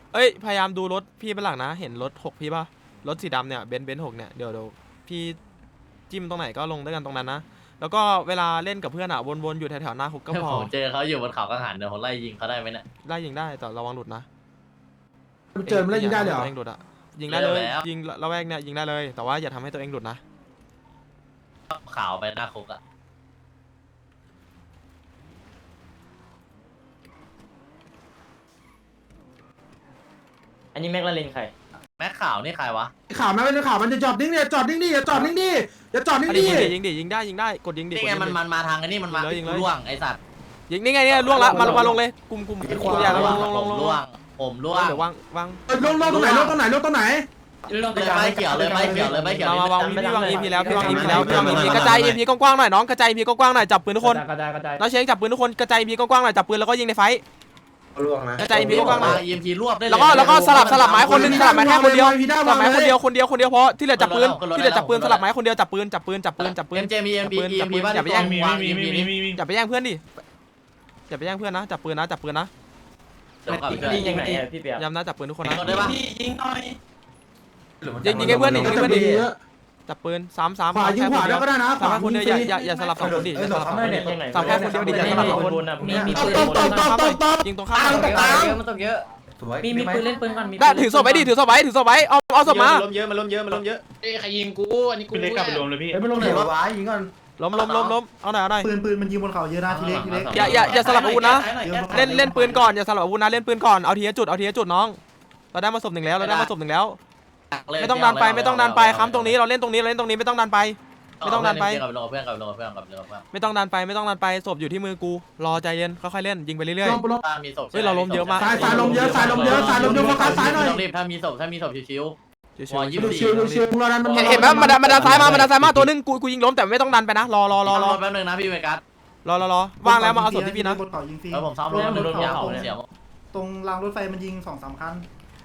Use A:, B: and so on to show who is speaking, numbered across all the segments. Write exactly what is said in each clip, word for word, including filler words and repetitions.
A: เอ้ยพยายามดูรถพี่เป็นหลักนะเห็นรถหกพี่ป่ะรถสีดำเนี่ยเบนซ์เบนซ์หกเนี่ยเดี๋ยวเดี๋ยวพี่จิ้มตรงไหนก็ลงด้วยกันตรงนั้นนะแล้วก็เวลาเล่นกับเพื่อนอะวนๆอยู่แถวๆหน้าคุกก็พอ
B: ผมเจอเขาอยู่บนเขากังหันเดี๋ยวผมไล่ยิงเขาได้ไหมเนี่ย
A: ไล่ยิงได้แต่ระวังหลุดนะ
C: เจอมันแล้วยิงได้เลยเหรอ
A: ตัวเองหลุดอะยิงได้เลยยิงระแวกเนี่ยยิงได้เลยแต่ว่าอย่าทำให้ตัวเองหลุดนะ
B: ขาวไปหน้าคุกอะ
D: อันนี้แม็กลาเรนใคร
B: แม็กขาวนี่ใครวะ
C: ข่าวไหมเป็นข่าวมันจะจอดนิ่งดิจอดนิ่งดิอย่าจอดนิ่งดิอย่าจอดนิ่ง
A: ยิ
C: ดิ
A: งดิยิงดิยิงได้ยิงได้กดยิงดิ
B: นี่ไงมันมันมาทางไอ้นี่มันมาล่วงไอ้สัตว์
A: ยิงนี่ไงเนี่ยล่วงละมามาลงเลยกลุ่มกลุ่มอย่าลงลงลงลง
B: ล่วงผมล่วง
A: เดี๋ยววางวาง
C: ลงลงตรงไหนลงตรงไหนลงตรงไหน
B: เลยไม่เกี่ยวเลยไม่เกี่ยวเลยไม่เกี่ยว
A: มามาวางพี่วางอีพีแล้วพี่วางอีพีแล้วพี่วางอีพีกระจายอีพีกว้างๆหน่อยน้องกระจายอีพีกว้างๆหน่อยจับปืนทุกคน
D: กระจายกระจาย
A: น้องเชงจับปืนทุกคนกระจายอีพีกว้างๆหน่อยจับปืนแล้วก็ยิงในไฟ
C: ล่วงนะ
A: กระจายอีพีกว้างๆหน่อย
B: อีเอ็มพีรวบได้เลย
A: แล้วก็แล้วก็สลับสลับไม้คนนึงสลับไม้แค่คนเดียวสลับไม้คนเดียวคนเดียวคนเดียวพอที่เหลือจับปืนที่เหลือจับปืนสลับไม้คนเดียวจับปืนจับปืนจับปืนจับปืน
B: เอ็มเจมีเอ็มพีเอ็มพีบ้าน
A: อย่าไปแย่ง
B: วางอีเอ็มพีนี้
A: อย่าไปแย่งเพื่อนดิอย่าไปแย่งเพื่อนนะจับปืนนะจับปืนนะ
D: ยิงยังไงอะพี่เปีย
A: ย้ำนะจับปืนทุกคนนะ
B: ได้ปะ
A: ยิงยิงให้เพื่อนดิยิงให้เพื่อนดิจับปืนสามสาม
C: ขวายิงขวาได้ก็ได้นะข
A: สาม
C: วา
A: แค่คนเดียวอย่าอย่าอย่าสลับสองคนดิอย่าสลับสองคนดิสามแค่คนเดียวดิอย่าสลับสองคน
D: มีมี
C: ต
D: ปื
C: บ
D: น
C: ตบตบตบตบตบ
A: ยิงตรงข้าม
C: ตบกลาง
D: มันตกเยอะมีมีปืนเล่นปืนก่อนมี
A: ได้ถือศพไว้ดิถือศพไว้ถือศพไว้เอาเอาศพมา
E: ล้มเยอะมันล้มเยอะมันล้มเยอะเอ้ยใครยิงกูอันนี้กู
F: เล็กกลับไปรวมเลยพี่
C: เฮ้ยมันลงไหนวะยิงก่อน
A: ล้มล้มล้มล้มเอาหน่อยเอาหน่อย
C: ปืนปืนมันยิงบนเขาเยอะนะทีเล็กทีเล็ก
A: อย่าอย่าอย่าสลับอาวุธนะเล่นเล่นปืนก่อนอย่าสลับอาวุธนะเล่นปืนก่อนเอาทีละจุดเอาทีละจุดน้องเราได้มาศพหนึ่งแล้วเราได้มาศพหนึ่งแล้วไม่ต้องดันไปไม่ต้องดันไปค้ำตรงนี้เราเล่นตรงนี้เราเล่นตรงนี้ไม่ต้องดันไป ไม่ต้องดันไป
B: กับลงเพื่อนกับลงเพื่อนกับลงเพื่อน
A: ไม่ต้องดันไปไม่ต้องดันไปศพอยู่ที่มือกูรอใจเย็นค่อยๆเล่นยิงไปเรื่อย
C: ลงลง
B: มีศพ
A: เฮ้ยเราล้มเยอะมาก
C: สายสายลมเยอะสายลมเยอะสายลมเยอะโฟกัสซ้ายหน่อย
B: ต้องรีบถ้ามีศพถ้ามีศพชิว
A: ๆ
B: วอยี่สิ
C: ดู
B: บ
C: ชิวดูชิวเราดันมัน
A: เห็นเห็นไหมมันดันมันดันซ้ายมามันดันซ้ายมาตัวนึงกูกูยิงล้มแต่ไม่ต้องดันไปนะรอรอรอรอ
B: แป๊บนึงนะพี่เวกัส
A: รอรอรอว่างแล้วมาเอาศพที่พี่นะ
G: บนเขายิงฟรี
B: แล้วผมซ้อมรถโดนยาวเสียว
G: ตรงรางรถไฟมันยิงสองสามคัน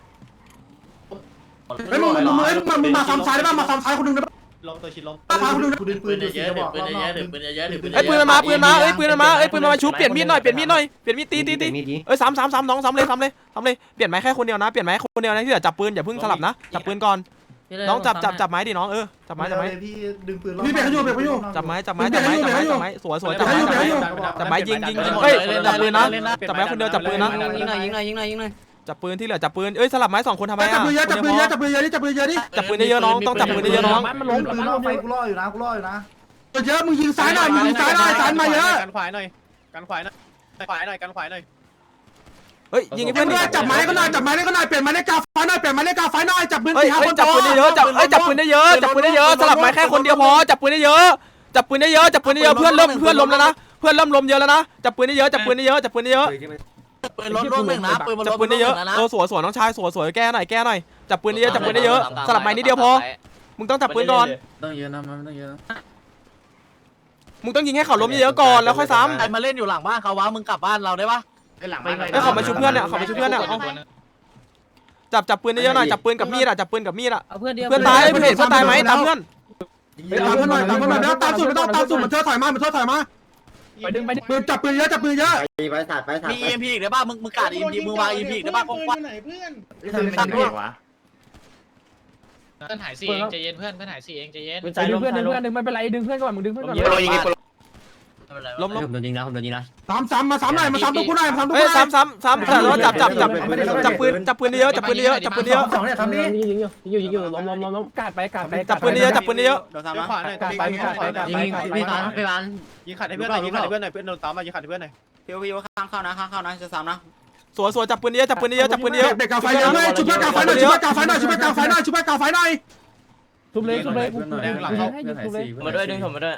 C: เฮ้ยมึงมึงมึงมึงมาซ้ำซ้ายได้ป่ะมาซ้ำซ้ายคนนึงได้ป่ะ
E: ล้มตัวชิดล้ม
C: ซ้ายคนนึง
G: กูดึงปื
B: ปื
G: น
B: น
G: ดู
B: เย
G: สิ
B: อะ
G: จะบอก
B: ปืนเยอะปืนเยอะปืนเยอะ
A: เอ้ยปืนมันมาปืนมาเอ้ยปืนมันมาเอ้ยปืนมันมาชุบเปลี่ยนมีดหน่อยเปลี่ยนมีดหน่อยเปลี่ยนมีดตีตีตีเอ้ยซ้ำซ้ำซ้ำน้องซ้ำเลยซ้ำเลยซ้ำเลยเปลี่ยนไม้แค่คนเดียวนะเปลี่ยนไม้คนเดียวนะที่เหลือจับปืนอย่าเพิ่งสลับนะจับปืนก่อนน้องจับจับจับไม้ดิน้องเออจับไม้จับไม้
G: พี่ดึงปืน
C: พี่เบรกเขาอยู่เบรกเขาอยู่
A: จับไม้จับไม้จับไม้จับไม้จับไม้สวยสวยจับไม้จับไม้จับไม้ยิงยิงยิงเฮ้ยจับปืนนะจับไม้คนเดียวจับปืนนะ
D: ยิงหน่อยยิงหน่อยยิงหน่อยยิงหน่อย
A: จับปืนที่เหลือจับปืนเอ้ยสลับไม้สองคนทำไม
C: จับ
A: อ่ะ
C: ปืนเยอะจับปืนเยอะจับปืนเยอะดิจับปืนเยอะดิ
A: จับปืนเยอะน้องต้องจับปืนเยอะน้อง
G: มันล้มปืนล่อไฟกูล่ออยู่นะกูล่ออยู่นะ
C: เยอะมึงยิงซ้ายหน่อยมึงยิงซ้ายหน่อยซ้ายมาเยอะ
E: กันขวายหน่อยกันขวายหน่อยกันขวายหน่อยกันขวายหน่อย
A: เฮ้ยยิงให้
C: เพื่
A: เพื่
C: อ
A: อน น
C: ด้วยจับไม้ก็หน่อยจับไม้ก็หน่อยเปลี่ยนไม้เลขกาไฟหน่อยเปลี่ยนไม้เลขกาไฟหน่อยจับปืน
A: เฮ้ย
C: สี่ห้าคน
A: จับปืนเยอะจับเอ้ยจับปืนได้เยอะจับปืนได้เยอะสลับไม้แค่คนเดียวพอจับปืนได้เยอะจับปืนได้เยอะจับปืนได้เยอะเพื่อนเริ่มเพื่อนล้มแล้วนะเพื่อนเริ่มล้มเยอะแล้วนะจับปืนได้เยอะจับปืนได้เยอะจับปืนได้เยอะ
B: ปืนรถร่วมหนึ่งนะปืนมัน
A: จับปืนได้เยอะเออสวยสวยน้องชายสวยสวยแก้หน่อยแก้หน่อยจับปืนได้เยอะจับปืนได้เยอะสลับไม้นิดเดียวพอมึงต้องจับปืนก่อน
G: ต้องเยอะนะมันต้องเยอะนะ
A: มึงต้องยิงให้เขาล้มเยอะก่อนแล้วค่อยซ้ำ
B: ใครมาเล่นอยู่หลังบ้านเขาวะมึงกลับบ้านเราได้ปะ
E: หลังบ้าน
A: เอ้ยเขามาชุบเพื่อนเนี่ยเขามาชุบเพื่อนเนี่ยจับจับปืนได้เยอะหน่อยจับปืนกับมีดอ่ะจับปืนกับมีดอ่ะ
D: เอาเพื่อนเดียว
A: เพื่อนตายเพื่อนเห็นเพื่อนตายไหมตามเพื่อน
C: ตามเพื่อนหน่อยตามเพื่อนหน่อยแล้วตามสุดไม่ต้องตามสุดมันเธอถอยมามันเธอถอยมา
D: ไปดึงไปดึง
C: ปืนจับปืนเยอะจับปืนเยอะ
B: มี อี เอ็ม พี อีกได้ป่ะมึงมึงกาด อี เอ็ม พี มึงวาง อี เอ็ม พี อีกได้ป่ะกว้าง
G: ทำไมเป็นเด็กวะ
E: เพื่อนหายสี่เองใจเย็นเพื่อนเพื่อนหายสี่เองใจเย็น
D: ไปดึงเพื่อนดึงเพื่อนดึงไม่เป็นไรดึงเพื่อนก่อนมึงดึงเพื่อนก่อน
A: ล้มล้ม
D: ผมโดนยิงนะผมโดนยิงนะ
C: ซ้ำซ้ำมาซ้ำหน่อยมาซ้ำตัวกูหน่อยมาซ้ำตัว
A: เฮ้
C: กู
A: ย
C: หน่อย
A: ซ้ำซ้ำซ้ำแต่ว่าจับจับจับจับปืนจับปืนได้เยอะจับปืนได้เยอะจับปืนได้เยอะ
G: สองเนี่ยทำนี่
D: ยิงอยู่ยิงอยู่ยิงอยู่ล้มล้มล้มล้มกาดไปกาดไป
A: จับปืนได้เยอะจับปืนได้เยอะ
E: เดี๋ยวขวาหน่อย
D: กาดไปกาดไปกาด
G: ยิ
D: ไป
G: ง
D: กาดไป
G: พี่ตามพี่บ้าน
E: ยิงขัดให้เพื่อนหน่อยยิงขัดให้เพื่อนหน่อยเพื่อนโดนตามมายิงขัดให้เพื่อนหน่อย
G: พี่พี่ข้างเข้านะข้างเข้านะจะซ้ำนะ
A: สวยสวยจับปืนได้เยอะจับปืนได้เยอะจับปืนได้เยอะ
C: เด็กกาไฟเยอะเลยชุบเพื่อนกาไฟหน่อยชุบเพื่อนกาไฟหน่อยชุบเพื่อนกาไฟหน่อยชุบเพื่อนกาไฟหน่อย
D: ทุบเลยทุบเลยให้ยิงทุบเลยมาด้วยดึงผมมาด้วย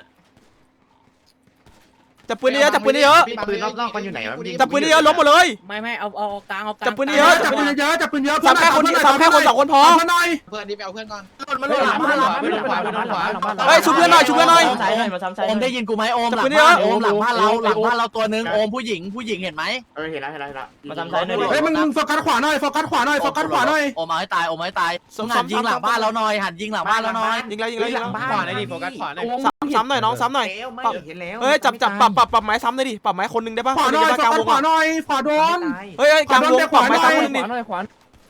A: จับปืนได้เยอะจับปืนได้เยอะ
E: ปืนรอบๆมันอยู่ไหนวะ
A: จับปืนได้เยอะล้มหมดเลย
D: ไม่ไม่เอาเอากลางเอากลาง
A: จับปืนได้
C: เย
A: เย
C: อะ
A: อะ
C: จับปืนเยอะจับปืนเยอะ
A: ซ้ำแค่คนซ้ำแค่คนสองคนพอ
C: เพื่อนหน่อย
E: เพื่อนดิไปเอาเพื่อนก่อน
B: มันหล่นหลังบ้านเรา
E: ไปโดนขวาไปโดนขวา
A: เฮ้ยชุบเพื่อนหน่อยชุบเพื่อนหน่อย
D: ซ้ายหน่อยมาซ้ำซ้าย
B: โอมได้ยินกูไหมโอมหลัง
A: จับปืนเย
B: บ้า
A: อะ
B: นโอมหลังบ้านเราหลังบ้านเราตัวนึงโอมผู้หญิงผู้หญิงเห็นไหม
G: เออเห็นแล้วเห็นแล้วเห็นแล้ว
D: มาซ้ำซ้ายหน่อย
C: เฮ้ยมึงมึงโฟกัสขวาหน่อยโฟกัสขวาหน่อยโฟกัสขวาหน่อย
B: โอมเอาให้ตายโอมให้ตายหันยิงหลังบ้านเราหน่อยหันยิงหลังบ้านเราหน่อย
A: ยิงแล้วยิงแล้วยิงแล้ว
E: ขวาหน่อยดิโฟกัสขวาหน่อย
A: ซ้ำซ้ำหน่อยน้องซ้ำหน่อย
G: เห็นแล้ว
A: เฮ้ยจับจับปรับปรับปรับไม้ซ้ำหน่อยดิปรับไม้คนนึงได้ปะ
C: ขวาหน่อยโฟกัสขวาหน่อยขวาโดน
A: เฮ้ยกลางวงปรับไม้ซ้ำคนนึงดิ
D: ขวาหน่อยขวา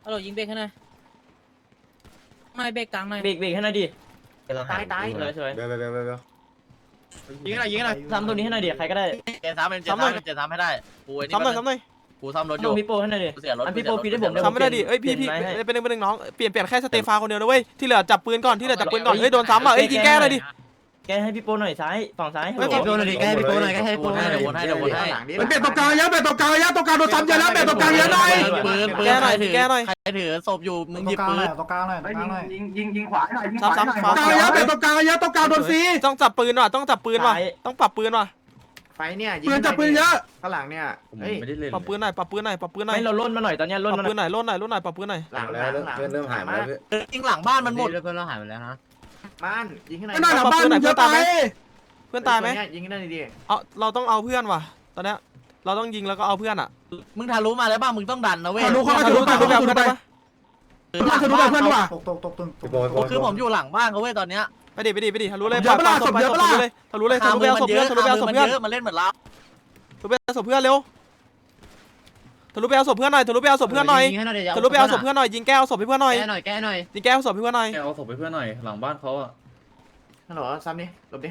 B: ฮัลโหลยิงเบรกให้หน่อยไม่เบรกกลางหน่อย
F: เบรกเบรกให้หน่อยดิ
G: ตายตาย
F: เลยช่วย
C: เบลเบลเบลเบล
G: ยิงหน่อยยิงหน่อย
F: ซ้ำตัวนี้ให้หน่อยดิใครก็ได้
B: เจนซ้ำเป็นเจนซ้ำเจนซ้ำให้ได้กูไอ้นี่
A: ซ้ำหน่อยซ้ำหน่อย
B: กูซ้ำรถอ
F: น้อยู่ งพี่โปให้หน่อยดิ
B: กูเสียรถ
F: อันพี่โปฟีได้ผม
A: ซ้ำไม่ได้ดิเอ้ยพี่พี่เป็นหนึ่งเป็นหนึ่งน้องเปลี่ยนเปลี่ยนแค่สเตฟาคนเดียวนะเว้ยที่เหลือจับปืนก่อนที่เหลือจับปืนก่อนเอ้ยโดนซ้ำอ่ะเอ้ยยิงแก้เลยดิ
F: แกให้พี่โปหน่อยซ้ายฝั่งซ้าย
A: ไม่ฝั่ง
B: โดนหน่อยดิแกให้พี่โปหน่อยแกให้พี่โปหน่อยเดี๋ยววนให้เดี๋ยววนให้
C: เปลี่ยนตรงกลางเยอะเปลี่ยนตรงกลางเยอะตรงกลางโดนซ้ำเยอะแล้วเปลี่ยนตรงกลางเยอะหน่อย
B: ปืนปืน
A: แก้หน่อย
B: ใครถือ
A: แก้หน่อย
B: ใครถือศพอยู่มึงหยิบปืน
H: ตรงกลางหน่อยตรงกลางหน่อย
C: ยิงยิงยิงขวาหน่อยยิง
A: ซ้ำซ้ำ
C: ตรงกลางเยอะเปลี่ยนตรงกลางเยอะตรงกลางโดนฟรี
A: ต้องจับปืนว่ะต้องจับปืนว่ะต้องปรับปืนว่ะ
G: ไฟเนี่ย
C: ปืนจับปืนเยอะ
G: ข้างหลังเนี่ยเฮ้ย
D: ไม่ได้เล่น
A: ปรับปืนหน่อยปรับปืนหน่อยปรับปืนหน่อย
F: ไม่เราล่นมาหน่อยตอนนี้
A: ป
F: ล่น
A: รับ
F: มาห
A: ปื
F: น่อน ย
A: หน่อยล่นหน่อยล่นหน่อยปรับปืนหน่อย
G: หลังหลังหลัง
C: เพื่อนเริ่มหายมาแล้ว
B: ยิงหลังบ้านมันหมด
G: เพื่อนเราหายไปแล้วนะบ้านยิงให้หน่อย
C: ไม่น่าหลังบ้านเยอะไป
A: เพื่อนตายไหม
G: ยิงให้หน่อยดิ
A: เอาเราต้องเอาเพื่อนว่ะตอนเนี้ยเราต้องยิงแล้วก็เอาเพื่อนอ่ะ
B: มึงทะลุมาแล้วบ้างมึงต้องดันนะเว้ย
C: ทะลุเข้ามาทะลุไปทะลุไปทะลุไปทะลุไปเพื่อนว่ะ
H: ตกตกตกตึง
B: คือผมอยู่หลังบ้านเขาเว้ยตอนเนี้ย
A: ไปดิไปดิไปดิทะลุเลย
C: เยอะปะล่ะ
A: ปา
C: ศพเยอะปะล่ะ
A: เลยทะลุเลยทะลุไปเอาศพเพื่อนทะลุไปเอาศพเพื่อน
B: เยอะมันเล่นเหมือนเรา
A: ทะลุไปเอาศพเพื่อนเร็วทะลุไปเอาศพเพื่อนหน่อยทะลุไปเอาศพเพื่อนหน่อย
G: ยิงให้หน่อยเดี๋ยว
A: ทะลุไปเอาศพเพื่อนหน่อยยิงแก้วศพให้เพื่อนหน่อย
G: แก้หน่อยแก้หน่อย
A: ยิงแก้วศพให้เพื่อนหน่อย
D: แกเอาศพไปเพื่อนหน่อยหลังบ้านเขาอ่ะ
G: ฮัลโหลซ้ำดิหลบดิ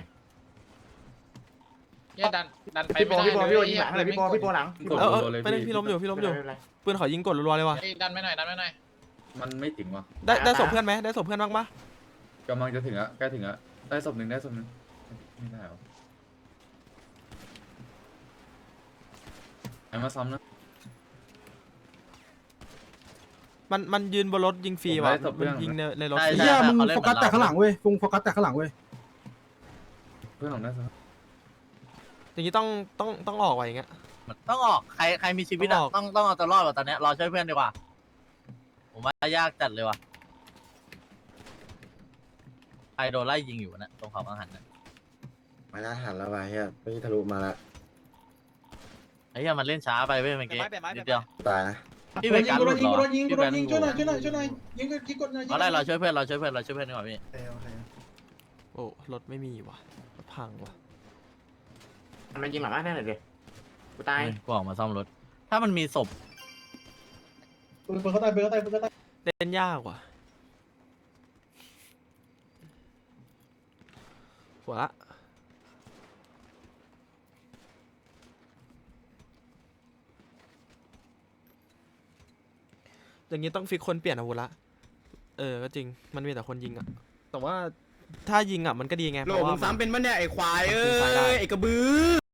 E: เหี้ยดันดันไป
G: พี่โบ
E: ไม่ได้
G: พี่โบ
E: เลย
G: พี่โบยิงหลังเลยพี่โบพี่โบหลัง
D: กด
A: เออเออ
D: รัวๆเลย
A: ไปเลยพี่ล้มอยู่พี่ล้มอยู่ปืนขอยิงกดรัวๆเลยว่ะ
E: เฮ้ยดันไม่หน่อยดันไม่หน่อย
D: มันไม่ถึงว่ะ
A: ได้ได้ศพเพื่อนไหมได้ศพเพื่อนบ้างปะ
D: กำลังจะถึงอ่ะใกล้ถึงอ่ะได้ศพหนึ่งได้ศพหนึ่งไม่ได้หรอไอ้มาซ้ำนะ
A: มันมันยืนบนรถยิงฟรีว่ะมันยิงในในรถ
C: เฮียมึงโฟกัสแต่ข้างหลังเว้ยฟุงโฟกัสแต่ข้างหลังเว้ย
D: เพื่อนผมได้ศพ
A: อย่างนี้ต้องต้องต้องออกว่ะอย่างเงี้ย
B: ต้องออกใครใครมีชีวิตอะต้องต้องเอาตัวรอดว่ะตอนเนี้ยรอช่วยเพื่อนดีกว่าผมว่ายากจัดเลยว่ะใครโดนไล่ยิงอยู่นะตรงเขาบางหันนะ
C: มาแล้วหันแล้วไปเฮียไม่ทะลุมาแล้ว
B: ไอ้เหี้ยมันเล่นช้าไปเว้ยเมื่อกี้นิดเดียว
C: ตายนะ
B: พี่เป็นการหลุดหรอพี่เป็น
H: ยิงช่วยหน่อยช่วยหน่อยช่วยหน่อยยิงยิงกดหน่อย
B: เอาได้เราช่วยเพื่อนเราช่วยเพื่อนเราช่วยเพื่อนดีกว่าพี่
A: โอ้รถไม่มีว่ะรถพังว่ะ
G: มันยิงหลังบ้านได้หน่อยดิกูตาย
B: กูออกมาซ่อมรถถ้ามันมีศพ
H: ปืนเขาตายปืนเขาตายปืนเขาตาย
A: เล่นยากว่ะหัวละอย่างนี้ต้องฟิกคนเปลี่ยนอาวุธละเออก็จริงมันมีแต่คนยิงอะแต่ว่าถ้ายิงอะมันก็ดีไงเพ
C: โหล
A: ราะว่า
C: มึงซ้ำเป็นปะเนี่ยไอ้ควายเอ้
A: มันขึ้นซ้ายได้
C: ยไอ้กระบือ